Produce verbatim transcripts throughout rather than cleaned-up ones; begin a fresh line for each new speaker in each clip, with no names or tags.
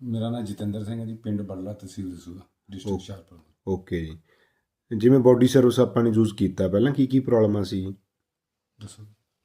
ਮੇਰਾ ਨਾਮ ਜਤਿੰਦਰ ਸਿੰਘ ਹੈ ਜੀ, ਪਿੰਡ ਬੱਲਾ, ਤਹਿਸੀਲ ਦਸੂਹਾ, ਡਿਸਟ੍ਰਿਕਟ ਹੁਸ਼ਿਆਰਪੁਰ।
ਓਕੇ ਜੀ। ਜਿਵੇਂ ਬੋਡੀ ਸਰਵਿਸ ਆਪਾਂ ਨੇ ਯੂਜ਼ ਕੀਤਾ, ਪਹਿਲਾਂ ਕੀ ਕੀ ਪ੍ਰੋਬਲਮਾਂ ਸੀ
ਦੱਸੋ।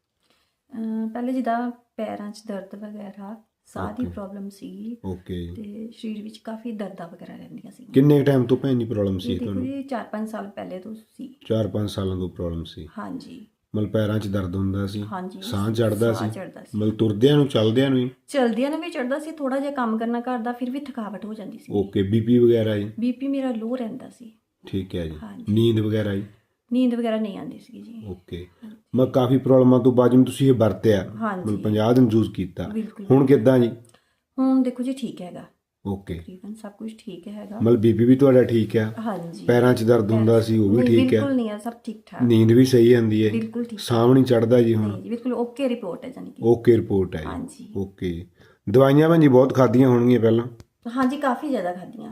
ਅਹ ਪਹਿਲੇ ਜਿੱਦਾਂ ਪੈਰਾਂ 'ਚ ਦਰਦ ਵਗੈਰਾ, ਸਾਹ ਦੀ
Okay.
ਪ੍ਰੋਬਲਮ ਸੀਗੀ
ਓਕੇ।
ਤੇ ਸਰੀਰ ਵਿੱਚ ਕਾਫੀ ਦਰਦਾਂ ਵਗੈਰਾ ਰਹਿੰਦੀਆਂ ਸੀ।
ਕਿੰਨੇ ਟਾਈਮ ਤੋਂ ਭੈਣ ਜੀ ਪ੍ਰੋਬਲਮ ਸੀ
ਇਹ ਦੇਖੋ
ਤੁਹਾਨੂੰ?
ਜੀ ਚਾਰ ਪੰਜ ਸਾਲ ਪਹਿਲੇ ਤੋਂ ਸੀ।
ਚਾਰ ਪੰਜ ਸਾਲਾਂ ਤੋਂ ਪ੍ਰੋਬਲਮ ਸੀ?
ਹਾਂਜੀ
ਮਤਲਬ ਪੈਰਾਂ 'ਚ ਦਰਦ ਹੁੰਦਾ ਸੀ?
ਹਾਂਜੀ
ਸਾਹ ਚੜਦਾ
ਸਾਹ
ਸੀ?
ਚੜ੍ਹਦਾ ਸੀ।
ਮਤਲਬ ਤੁਰਦਿਆਂ ਨੂੰ ਚਲਦਿਆਂ ਨੂੰ ਹੀ?
ਚਲਦਿਆਂ ਨੂੰ ਵੀ ਚੜਦਾ ਸੀ, ਥੋੜਾ ਜਿਹਾ ਕੰਮ ਕਰਨਾ ਘਰ ਦਾ ਫਿਰ ਵੀ ਥਕਾਵਟ ਹੋ ਜਾਂਦੀ ਸੀ।
ਓਕੇ। ਬੀਪੀ ਵਗੈਰਾ ਜੀ?
ਬੀਪੀ ਮੇਰਾ ਲੋ ਰਹਿੰਦਾ ਸੀ।
ਠੀਕ ਹੈ ਜੀ।
ਹਾਂਜੀ।
ਨੀਂਦ ਵਗੈਰਾ ਜੀ?
ਨੀਂਦ ਵਗੈਰਾ ਨਹੀਂ ਆਉਂਦੀ ਸੀ ਜੀ।
ਓਕੇ। ਮੈਂ ਕਾਫੀ ਪ੍ਰੋਬਲਮਾਂ ਤੋਂ ਬਾਅਦ ਜਿਵੇਂ ਤੁਸੀਂ ਇਹ ਵਰਤਿਆ,
ਹਾਂਜੀ।
ਮਤਲਬ ਪੰਜਾਹ ਦਿਨ ਯੂਜ਼ ਕੀਤਾ,
ਬਿਲਕੁਲ।
ਹੁਣ ਕਿੱਦਾਂ ਜੀ?
ਹੁਣ ਦੇਖੋ ਜੀ ਠੀਕ ਹੈਗਾ,
ਓਕੇ।
ਤਕਰੀਬਨ ਸਭ ਕੁਝ ਠੀਕ ਹੈਗਾ।
ਮਤਲਬ ਬੀਪੀ ਵੀ ਤੁਹਾਡਾ ਠੀਕ ਆ?
ਹਾਂਜੀ।
ਪੈਰਾਂ 'ਚ ਦਰਦ ਹੁੰਦਾ ਸੀ ਉਹ ਵੀ
ਨਹੀਂ,
ਠੀਕ ਆ?
ਬਿਲਕੁਲ ਨਹੀਂ ਹੈ, ਸਭ ਠੀਕ ਠਾਕ।
ਨੀਂਦ ਵੀ ਸਹੀ ਆਉਂਦੀ ਹੈ?
ਬਿਲਕੁਲ ਠੀਕ।
ਸਾਹ ਨਹੀਂ ਚੜਦਾ ਜੀ ਹੁਣ?
ਨਹੀਂ ਜੀ, ਬਿਲਕੁਲ ਓਕੇ ਰਿਪੋਰਟ ਹੈ ਜਾਨੀ ਕਿ।
ਓਕੇ ਰਿਪੋਰਟ ਹੈ ਜੀ।
ਹਾਂਜੀ।
ਓਕੇ। ਦਵਾਈਆਂ ਭਾਜੀ ਬਹੁਤ ਖਾਧੀਆਂ ਹੋਣਗੀਆਂ ਪਹਿਲਾਂ?
ਹਾਂਜੀ ਕਾਫੀ ਜ਼ਿਆਦਾ ਖਾਧੀਆਂ।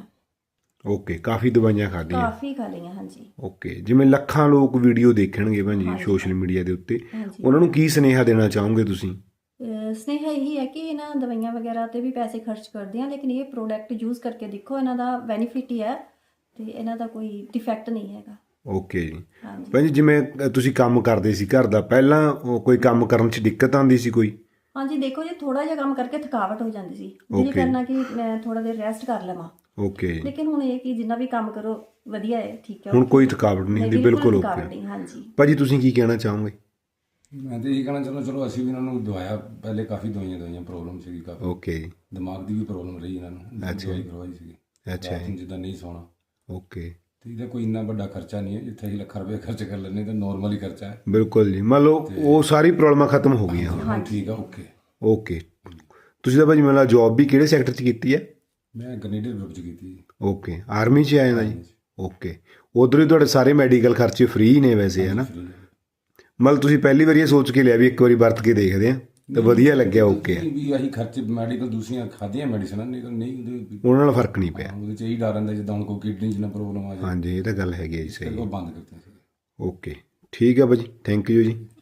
ਓਕੇ। ਕਾਫੀ ਦਵਾਈਆਂ ਖਾਧੀਆਂ?
ਕਾਫੀ ਖਾ ਲਈਆਂ ਹਾਂਜੀ।
ਓਕੇ। ਜਿਵੇਂ ਲੱਖਾਂ ਲੋਕ ਵੀਡੀਓ ਦੇਖਣਗੇ ਭਾਜੀ
ਹਾਂਜੀ।
ਸੋਸ਼ਲ ਮੀਡੀਆ ਦੇ ਉੱਤੇ,
ਹਾਂਜੀ।
ਉਹਨਾਂ ਨੂੰ ਕੀ ਸੁਨੇਹਾ ਦੇਣਾ ਚਾਹੋਗੇ ਤੁਸੀਂ?
ਅਹ ਸਨੇਹਾ ਇਹੀ ਹੈ ਕਿ ਇਹਨਾਂ ਦਵਾਈਆਂ ਵਗੈਰਾ ਤੇ ਵੀ ਪੈਸੇ ਖਰਚ ਕਰਦੇ ਆ, ਲੇਕਿਨ ਇਹ ਪ੍ਰੋਡਕਟ ਯੂਜ਼ ਕਰਕੇ ਦੇਖੋ, ਇਹਨਾਂ ਦਾ ਬੈਨੀਫਿਟ ਹੀ ਹੈ ਤੇ ਇਹਨਾਂ ਦਾ ਕੋਈ ਡਿਫੈਕਟ ਨਹੀਂ ਹੈਗਾ।
ਓਕੇ ਜੀ।
ਹਾਂਜੀ।
ਭਾਜੀ ਜਿਵੇਂ ਅ, ਤੁਸੀਂ ਕੰਮ ਕਰਦੇ ਸੀ ਘਰ ਦਾ, ਪਹਿਲਾਂ ਉਹ ਕੋਈ ਕੰਮ ਕਰਨ 'ਚ ਦਿੱਕਤ ਆਉਂਦੀ ਸੀ ਕੋਈ?
ਹਾਂਜੀ ਦੇਖੋ ਜੀ, ਥੋੜਾ ਜਿਹਾ ਕੰਮ ਕਰਕੇ ਥਕਾਵਟ ਹੋ ਜਾਂਦੀ ਸੀ, ਦਿਲ
Okay.
ਕਰਨਾ ਕਿ ਮੈਂ ਥੋੜਾ ਦੇਰ ਰੈਸਟ ਕਰ ਲਵਾਂ।
ਓਕੇ।
ਲੇਕਿਨ ਹੁਣ ਇਹ ਕਿ ਜਿੰਨਾ ਵੀ ਕੰਮ ਕਰੋ ਵਧੀਆ ਹੈ, ਠੀਕ ਹੈ।
ਹੁਣ ਕੋਈ ਥਕਾਵਟ ਨਹੀਂ ਹੁੰਦੀ? ਬਿਲਕੁਲ
ਥਕਾਵਟ
ਓਕੇ।
ਨਹੀਂ, ਹਾਂਜੀ।
ਭਾਜੀ ਤੁਸੀਂ ਕੀ ਕਹਿਣਾ ਚਾਹੋਗੇ?
ਮੈਂ ਤਾਂ ਇਹੀ ਕਹਿਣਾ ਚਾਹੁੰਦਾ, ਚਲੋ ਅਸੀਂ ਵੀ ਇਹਨਾਂ ਨੂੰ ਦਵਾਇਆ, ਪਹਿਲੇ ਕਾਫੀ ਦਵਾਈਆਂ ਦਵਾਈਆਂ ਪ੍ਰੋਬਲਮ ਸੀਗੀ, ਕਾਫੀ
ਓਕੇ।
ਦਿਮਾਗ ਦੀ ਵੀ ਪ੍ਰੋਬਲਮ ਰਹੀ ਇਹਨਾਂ ਨੂੰ।
ਅੱਛਾ।
ਦਵਾਈ ਕਰਵਾਈ ਸੀਗੀ,
ਅੱਛਾ
ਰਾਤ
ਜੀ।
ਨੂੰ ਜਿੱਦਾਂ ਨਹੀਂ ਸੌਣਾ।
ਓਕੇ।
ਤੇ ਇਹਦਾ ਕੋਈ ਇੰਨਾ ਵੱਡਾ ਖਰਚਾ ਨਹੀਂ ਹੈ, ਜਿੱਥੇ ਅਸੀਂ ਲੱਖਾਂ ਰੁਪਏ ਖਰਚ ਕਰ ਲੈਂਦੇ ਤਾਂ ਨੋਰਮਲ ਹੀ ਖਰਚਾ ਹੈ।
ਬਿਲਕੁਲ ਜੀ। ਮੰਨ ਲਓ ਉਹ ਸਾਰੀ ਪ੍ਰੋਬਲਮਾਂ ਖਤਮ ਹੋ ਗਈਆਂ ਹੁਣ?
ਹੁਣ ਠੀਕ ਆ, ਓਕੇ।
ਓਕੇ। ਤੁਸੀਂ ਤਾਂ ਭਾਜੀ ਮੈਨੂੰ ਲੱਗਦਾ ਜੌਬ ਵੀ ਕਿਹੜੇ ਸੈਕਟਰ 'ਚ ਕੀਤੀ ਹੈ?
ਮੈਂ ਕੈਨੇਡੀਅਨ ਗਰੁੱਪ 'ਚ ਕੀਤੀ ਜੀ।
ਓਕੇ। ਆਰਮੀ 'ਚ ਆਏ ਨਾ ਜੀ? ਓਕੇ। ਉਧਰ ਹੀ ਤੁਹਾਡੇ ਸਾਰੇ ਮੈਡੀਕਲ ਖਰਚੇ ਫ੍ਰੀ ਨੇ ਵੈਸੇ, ਹੈ ਨਾ?
Free ਹੈ।
ਮਤਲਬ ਤੁਸੀਂ ਪਹਿਲੀ ਵਾਰੀ ਇਹ ਸੋਚ ਕੇ ਲਿਆ ਵੀ ਇੱਕ ਵਾਰੀ ਵਰਤ ਕੇ ਦੇਖਦੇ ਆ ਤੇ ਵਧੀਆ ਲੱਗਿਆ? ਓਕੇ।
ਨਹੀਂ ਵੀ ਅਸੀਂ ਖਰਚੇ ਮੈਡੀਕਲ ਦੂਸਰੀਆਂ ਖਾਧੀਆਂ ਮੈਡੀਸਨਾਂ, ਨਹੀਂ ਤਾਂ ਨਹੀਂ ਉਹਦੇ
ਉਹਨਾਂ ਨਾਲ ਫਰਕ ਨਹੀਂ ਪਿਆ?
ਉਹਦੇ 'ਚ ਇਹੀ ਡਰ ਰਹਿੰਦਾ ਜਿੱਦਾਂ ਹੁਣ ਕੋਈ ਕਿਡਨੀ 'ਚ ਨਾ ਪ੍ਰੋਬਲਮ ਆ ਜਾਏ,
ਹਾਂਜੀ ਇਹ ਤਾਂ ਗੱਲ ਹੈਗੀ ਹੈ ਜੀ,
ਫਿਰ
ਸਹੀ।
ਉਹ ਬੰਦ ਕਰਤੇ ਸੀ।
ਓਕੇ। ਠੀਕ ਹੈ ਭਾਜੀ, ਥੈਂਕ ਯੂ ਜੀ।